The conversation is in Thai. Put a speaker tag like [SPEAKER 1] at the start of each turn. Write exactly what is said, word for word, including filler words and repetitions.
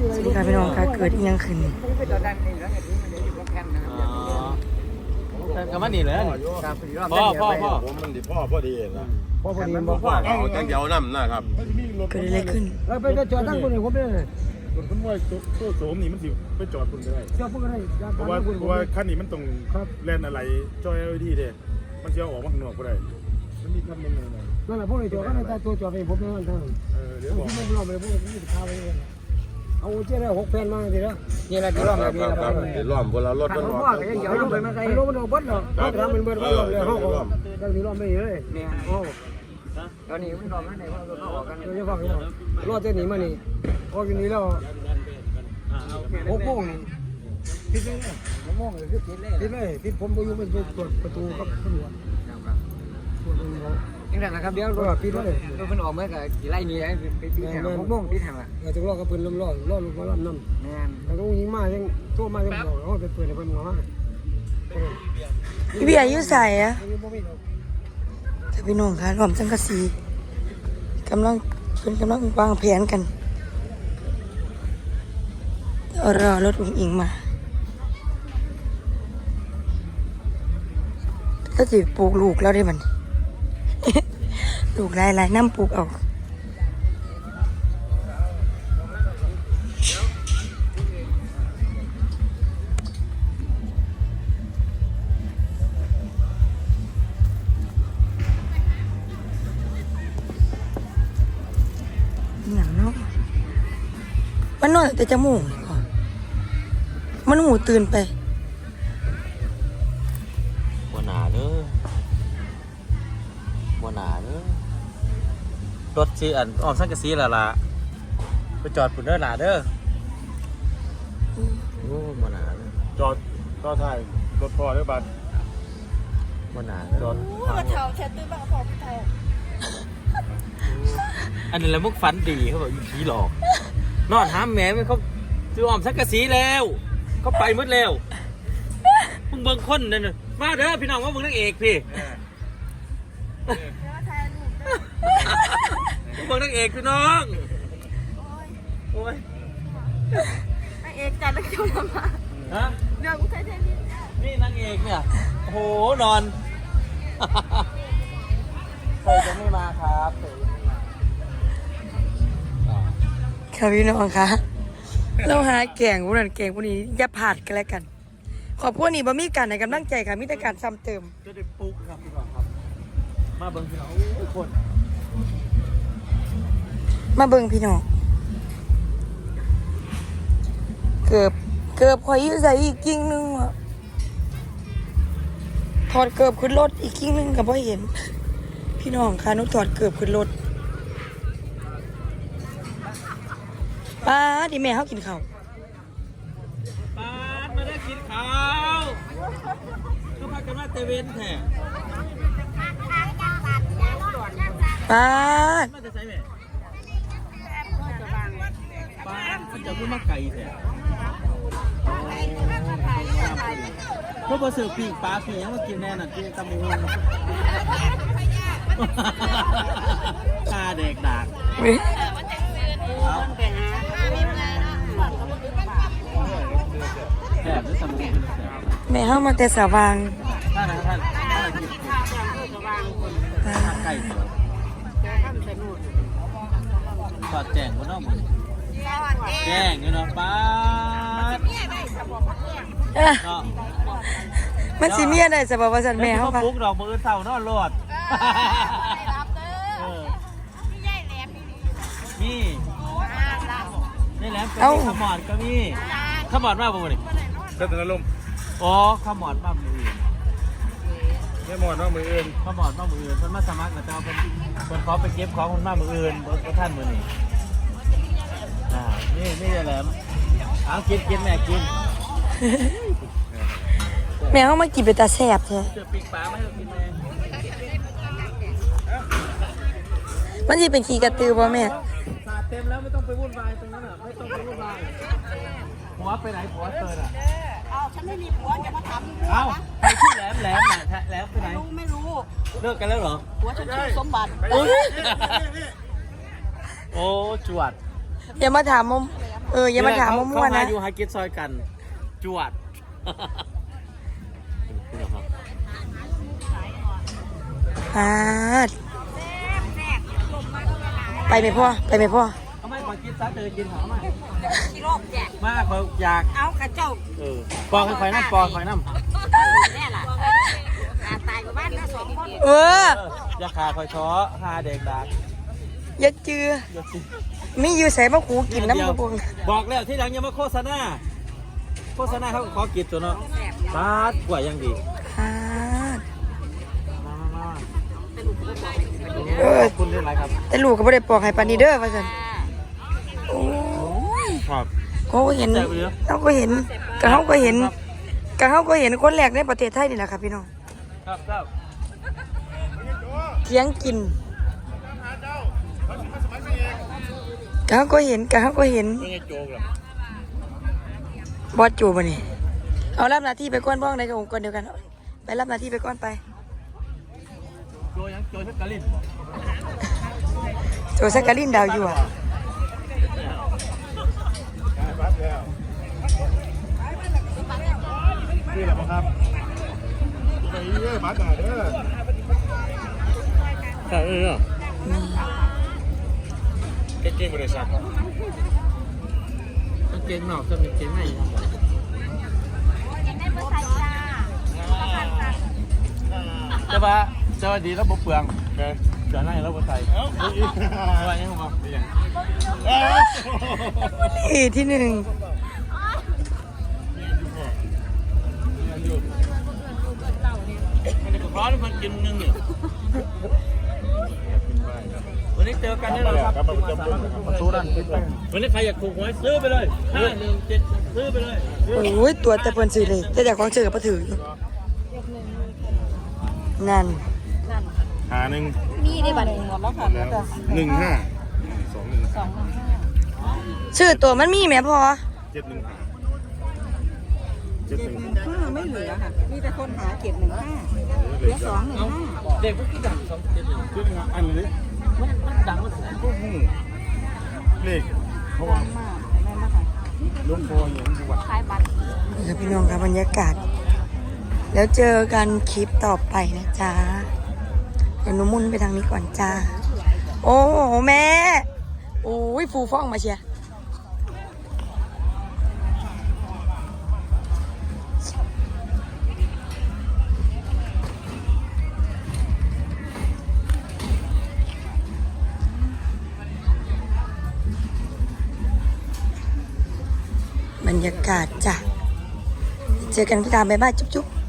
[SPEAKER 1] สิค่ะพี่น้องค่ะเกิดอีหยังขึ้น
[SPEAKER 2] ก็มันนี่เลยพ่อพ่อพ่อ
[SPEAKER 3] ผมมันดิพ่อพอดีนะ
[SPEAKER 4] พ่อพอดีบอกพ่อ
[SPEAKER 3] เอาจังเดียวน้ำนะครับ
[SPEAKER 1] เกิดอะไรขึ้น
[SPEAKER 4] แล้วไปจอดตั้งคนหนึ่งผมเลย
[SPEAKER 5] รถขนว่าตัวโสมนี่มันสิไปจอดคุณได้
[SPEAKER 4] จอดพวกอะไร
[SPEAKER 5] เพราะว่าเพราะว่าคันนี้มันต้องแล่นอะไรจอย แอล อี ดี เด้มันจะออกมาข้างนอกก็ได้มันมีคันนึงเลย
[SPEAKER 4] นั่นแหละพวกเลยจอดก็ในตัวจอดไปผมไม่ต้องทำ
[SPEAKER 5] เออเดี๋ยวบอก
[SPEAKER 4] ที่ไม่รอดเลยพวกนี้จะพาไปเลยเอาเจ้าได้หกแผ่นมาทีละนี่แหละที่รอดแบบนี้นะครับ
[SPEAKER 3] เดี๋ยวล้อมบนเรารถ
[SPEAKER 4] ขั
[SPEAKER 3] มัน น
[SPEAKER 4] ร
[SPEAKER 3] อ
[SPEAKER 4] ถ
[SPEAKER 3] อก
[SPEAKER 4] ว่ากันยังเดี๋ยวลงไปมาใส่รถมันเอาบดเนาะเขาทำเป็นเบิร์ดเขาลงเลยเขาก็ที่รอดไม่เลยเนี่ยโอ้ตอนนี้มันรอดไม่ได้เพราะเราออกกันเดี๋ยวฟังรอดเจ้าหนีมานี่ออกจากนี้แล้วหกโมงนี่ติดเลยหกโมงเลยติดเลยติดเลยติดผมไปอยู่มันไปตรวจประตูกับตำรวจยังไงนะครับเดี๋ยวรถปิดเลยรถมันออกเมื่อกี่ไร่นี่ไปปิดแถวหกโมงปิดแถวอ่ะเราจะรอกับปืนล้มล้อล้อลูกมาล้ำน้ำแม่นแต่ก็ยิงมายังโตมายังบอกเขาเป็นปืนในปืนหัวมา
[SPEAKER 1] พี่เบียร์อยู่ใส่อะแต่พี่น้องค่ะรวมจังกะสีกำลังเป็นกำลังวางแผนกันรอรถอุ้งอิงมาก็จะปลูกลูกแล้วได้มัน ลูกลายลายน้ำปลูกเอาอย่างเนาะมันนอนแต่จมูกมันหูตื่นไป
[SPEAKER 2] บัวหนาเด้อบัวหนาเด้อรถสีอันออมสังกะสีละละไปจอดปุ่นเด้อหนาเด้อโอ้บัวหนาเด้อ
[SPEAKER 5] จอดก็ถ่ายรถพ่อเด้อบัด
[SPEAKER 2] บัวหนา
[SPEAKER 5] จอด
[SPEAKER 6] มาเท้าแชทตื้อบังพอพี่ไทย
[SPEAKER 2] อันนี้แหละมุกฝันดีเขาบอกผีหลอกนอนหามแหม่มันเขาซื้อออมสังกะสีแล้วเขาไปหมดแล้วมึงเบิ่งคนนั่นน่ะมาเด้อพี่น้องว่ามึงนางเอกพี่มึงเบิ่งนางเอกพี่น้องโอ้ย
[SPEAKER 6] นางเอกจัดแล้วจะทำมา
[SPEAKER 2] ฮะ
[SPEAKER 6] เดี๋ยวกูใช้เทนนิส
[SPEAKER 2] นี่นางเอกเนี่ยโอ้โหนอนเคยจะไม่มาครับเคยจะไม่มา
[SPEAKER 1] ค่ะพี่น้องค่ะเราหาแก่งพวกนั้นแก่งพวกนี้อย่าผาดกันแล้วกันขอบพวกนี้บ่มีการในกำลังใจค่ะมีแต่การซ้ำเติม
[SPEAKER 2] จะได้ปุ๊กครับพี่น้องครับมาเบิ่งพี่น้องทุกคน
[SPEAKER 1] มาเบิ่งพี่น้องเกือบเกือบข่อยอยู่ใส่อีกกิ่งนึงอ่ะถอดเกือบขึ้นรถอีกกิ่งนึงก็บ่เห็นพี่น้องค่ะหนูถอดเกือบขึ้นรถป้าดิแม่เฮากินข้าว
[SPEAKER 2] ปาดมาได้กินข้าวก็พากันมาเตเวนแท้
[SPEAKER 1] ป้าด
[SPEAKER 2] มาจะใส่แม่ปาดมันจะพูดมาไก่แท้ก็พอเสือปีกปลาปียังมากินแน่น่ะกินตะมูตาแดกดาก
[SPEAKER 1] เว้ยแม่เฮามาแต่สว่าง
[SPEAKER 2] ท่านนะท่านท่านกินท่านไก่เสือสอดแจงบนนอกมือแจ้งอยู่เนาะป้าด
[SPEAKER 1] เอ้อมันสิเมียได้สบายว่าซั่นแม่เฮา
[SPEAKER 2] ค่ะ
[SPEAKER 1] ค่ะ
[SPEAKER 2] ปุ๊กดอกมือเสานอนรอด
[SPEAKER 6] รับเด้อพี่ใหญ่แหลมนี่
[SPEAKER 2] นี่นี่แหละเป็นขมอดก็มีขมอดมากป่ะนี่
[SPEAKER 5] เส้นอารมณ์
[SPEAKER 2] อ๋อขมอดมากมืออื่น
[SPEAKER 5] แม่หมอนว่ามืออื่น
[SPEAKER 2] ขมอดมากมืออื่นเพิ่นมาสมัครนะเจ้าเพิ่นเพิ่นขอไปเก็บของคนมากมืออื่นเพิ่นท่านมือนี่อ่านี่นี่แหลมเอากินกินแม่กิน
[SPEAKER 1] แม่เฮามากินเป็นตาแซ่บแท้
[SPEAKER 2] เจอปีกปลาไม่ให้กินแม่
[SPEAKER 1] มันสิเป็นขี้กระตือบ่แม่
[SPEAKER 2] สาดเต็มแล้วไม่ต้องไปวุ่นวายตรงนั้นอ่ะไม่ต้องไปวุ่นวายหัวไปไหนหัวเติร์ดอ่ะ
[SPEAKER 6] เอาฉันไม่มีผัวอย่ามาทำ
[SPEAKER 2] เอ้าใครชื่อแหลมแหลมน่ะแหลมไปไหน
[SPEAKER 6] รู้ไม่รู้
[SPEAKER 2] เลิกกันแล้วเหรอ
[SPEAKER 6] ผัวฉันชื่อสมบัติ
[SPEAKER 2] โอ้ยโอ้จวด
[SPEAKER 1] อย่ามาถามมมเอออย่ามาถามมั่วๆ
[SPEAKER 2] เขา
[SPEAKER 1] นะ
[SPEAKER 2] หาอยู่หากินซอยกัน จวด
[SPEAKER 1] ปาดไปไหมพ่อไปไหมพ่อ
[SPEAKER 2] เอาไม่ขอกินซะเจอกินหามา
[SPEAKER 6] ที่โลกแจก
[SPEAKER 2] มากเขาอยาก
[SPEAKER 6] เอากระเจ้า
[SPEAKER 2] เออปอกให้ไฟน้ำปอกไฟน้ำ
[SPEAKER 6] แน่ล่ะอาตายกับบ้านนะสองคน
[SPEAKER 1] เออ
[SPEAKER 2] อยาขาคอยช้อหาเด็กดัก
[SPEAKER 1] อย่าเจือ
[SPEAKER 2] เดี๋ยวสิ
[SPEAKER 1] มีอยู่ใส่มะขูกินน้ำกระปุก
[SPEAKER 2] บอกแล้วที่หลังอย่ามาโฆษณาโฆษณาเขาขอกินตัวเนาะบาดกว่ายังดี
[SPEAKER 1] ปาด
[SPEAKER 2] มามามา
[SPEAKER 1] เออ
[SPEAKER 2] ขอบคุณด้วยไรครับ
[SPEAKER 1] แต่ลูกก็ไม่ได้ปอกให้ปานนีเด้อว่าซั่นโอ้ย
[SPEAKER 2] ครับ
[SPEAKER 1] เขาก็เห็นเขาก็เห็นก็เขาก็เห็นก็เขาก็เห็นคนแรกในประเทศไทยนี่แหละครับพี่น้อง
[SPEAKER 2] ครับครับ
[SPEAKER 1] เถียงกินก็เขาก็เห็นก็เขาก็เห็น
[SPEAKER 2] ไม่ใช่โจ๊กหรอก
[SPEAKER 1] บอสจูบมานี่เอารับหน้าที่ไปก้อนบ้องในกับองค์กรเดียวกันเอาไปรับหน้าที่ไปก้อนไป
[SPEAKER 2] โจยังโจชักกะลิน
[SPEAKER 1] โจสักกะลินดาวอยู่อ่ะ
[SPEAKER 5] นี่แหละครับไปเรื่อยมาจ่าเด้อ
[SPEAKER 2] ใช่เออ
[SPEAKER 3] เก่งๆบริษัท
[SPEAKER 2] เก่งหนอกจะมีเก่งไหน
[SPEAKER 6] ยังได้เบอร์ไทยจ้า
[SPEAKER 2] จะว่าจะว่าดีแล้วบุเปลืองเดี๋ยวนั่งแล้วบุใส่อะไรยังบอกอย่าง
[SPEAKER 1] นี่ที่หนึ่ง
[SPEAKER 2] มันจะร้อนมันกินนึงเนี่ยวันนี้เจอกันแน่นอนครับประตูด้านวันนี้ใครอยากถูกหวยซื้อไปเลยห้าหนึ่งเจ็ดซื้อไปเลย
[SPEAKER 1] โอ้ยตัวแต่เพิ่นซื้อเลยแต่จากของซื้อกับบ่ถืออยู่นั่น
[SPEAKER 5] หาหนึ่ง
[SPEAKER 6] มีได้บัตรหมดแล้วค่ะ
[SPEAKER 5] แล้วหนึ่งห้าสองหนึ่ง
[SPEAKER 6] สอง
[SPEAKER 1] ชื่อตัวมันมีแหมพอ
[SPEAKER 5] เจ็ดหนึ่งห้าเจ็ดหนึ่ง
[SPEAKER 7] ห้าไม่เหลือค่ะ มีแต่คนหาเก็บหนึ่งห้าเหลือสองหนึ่งห้า
[SPEAKER 2] เด็กพวกที่ดังสองเจ็ดหนึ่ง
[SPEAKER 5] เจ็ดหนึ่งห้าอันนี้
[SPEAKER 2] มันมันดังมันแสน
[SPEAKER 5] พวกหูเลขเพราะว่า
[SPEAKER 7] ดังมากแม่นนะคะ
[SPEAKER 5] ลุงโฟอย่างจังหวัด
[SPEAKER 6] ขายบัตร
[SPEAKER 1] นี่ครับพี่น้องครับบรรยากาศ แล้วเจอกันคลิปต่อไปนะจ๊ะเดี๋ยวหนูมุนไปทางนี้ก่อนจ้า โอ้โหแม่โอ้ยฟูฟ่องมาเชียร์บรรยากาศจ้ะเจอกันพี่ตามบ๊ายบายจุ๊บๆ